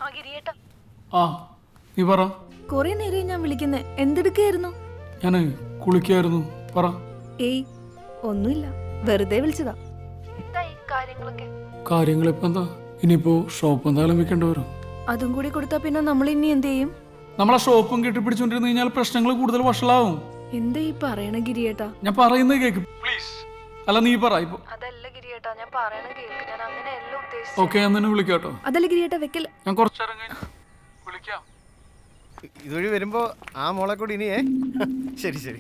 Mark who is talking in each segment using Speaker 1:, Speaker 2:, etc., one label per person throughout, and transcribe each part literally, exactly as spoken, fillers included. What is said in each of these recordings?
Speaker 1: ആ നീ പറ.
Speaker 2: കൊറേ നേരം ഞാൻ വിളിക്കുന്നേ, എന്തെടുക്കായിരുന്നു?
Speaker 1: ഞാന് കുളിക്കായിരുന്നു. പറ.
Speaker 2: ഏയ് ഒന്നുമില്ല, വെറുതെ വിളിച്ചതാ.
Speaker 1: കാര്യങ്ങളിപ്പോ എന്താ, ഇനിയിപ്പോ ഷോപ്പ് എന്തായാലും വെക്കേണ്ടി വരും.
Speaker 2: അതും കൂടി കൊടുത്താ പിന്നെ നമ്മൾ ഇനി എന്ത് ചെയ്യും?
Speaker 1: നമ്മളെ ഷോപ്പും കെട്ടിപ്പിടിച്ചോണ്ടിരുന്നു കഴിഞ്ഞാൽ പ്രശ്നങ്ങൾ കൂടുതൽ വഷളാവും.
Speaker 2: എന്താ ഈ പറയണ ഗിരിയേട്ടാ?
Speaker 1: ഞാൻ പറയുന്നത് കേക്ക് പ്ലീസ്. അല്ല നീ പറ ഇപ്പൊ.
Speaker 2: അതല്ല ഗിരിയേട്ടാ, ഞാൻ പറയണ കേൾക്ക്. ഞാൻ അങ്ങനെയല്ല ഉദ്ദേശിച്ചത്.
Speaker 1: ഓക്കെ, ഞാൻ നിന്നെ വിളിക്കാട്ടോ.
Speaker 2: അതല്ല ഗിരിയേട്ടാ, വെക്കൽ.
Speaker 1: ഞാൻ കുറച്ചേരം കഴിഞ്ഞ് വിളിക്കാം.
Speaker 3: ഇതുവഴി വരുമ്പോ ആ മോളെ കൂടി ഇനിയേ. ശരി ശരി.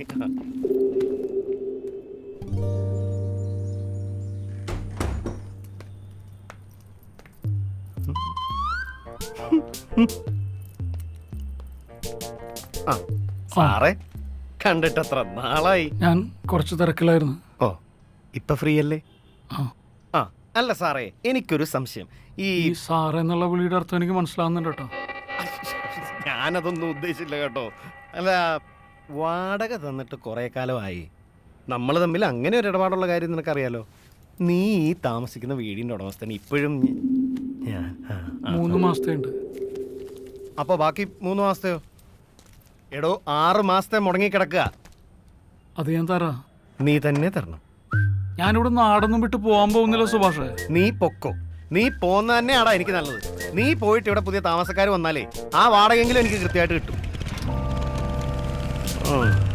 Speaker 3: ആ സാറേ, കണ്ടിട്ടത്ര നാളായി.
Speaker 1: ഞാൻ കുറച്ച് തിരക്കിലായിരുന്നു.
Speaker 3: ഓ, ഇപ്പൊ ഫ്രീ അല്ലേ?
Speaker 1: ആ
Speaker 3: ആ അല്ല സാറേ, എനിക്കൊരു സംശയം. ഈ
Speaker 1: ഈ സാറ് എന്നുള്ള വിളിയുടെ അർത്ഥം എനിക്ക് മനസ്സിലാവുന്നുണ്ട് കേട്ടോ.
Speaker 3: ഞാനതൊന്നും ഉദ്ദേശിച്ചില്ല കേട്ടോ. അല്ല, വാടക തന്നിട്ട് കുറേ കാലമായി. നമ്മൾ തമ്മിൽ അങ്ങനെ ഒരു ഇടപാടുള്ള കാര്യം നിനക്കറിയാലോ. നീ ഈ താമസിക്കുന്ന വീടിൻ്റെ ഉടമസ്ഥന് ഇപ്പോഴും ഞാൻ
Speaker 1: മൂന്ന് മാസത്തെ ഉണ്ട്.
Speaker 3: അപ്പോൾ ബാക്കി മൂന്ന് മാസത്തെയോ? എടോ, ആറ് മാസത്തെ മുടങ്ങിക്കിടക്കുക.
Speaker 1: അത് ഞാൻ തരാ.
Speaker 3: നീ തന്നെ തരണം.
Speaker 1: ഞാനിവിടെ നാടൊന്നും വിട്ട് പോകാൻ പോകുന്നില്ല സുഭാഷേ.
Speaker 3: നീ പൊക്കോ. നീ പോന്ന തന്നെയാടാ എനിക്ക് നല്ലത്. നീ പോയിട്ട് ഇവിടെ പുതിയ താമസക്കാർ വന്നാലേ ആ വാടകയെങ്കിലും എനിക്ക് കൃത്യമായിട്ട് കിട്ടും.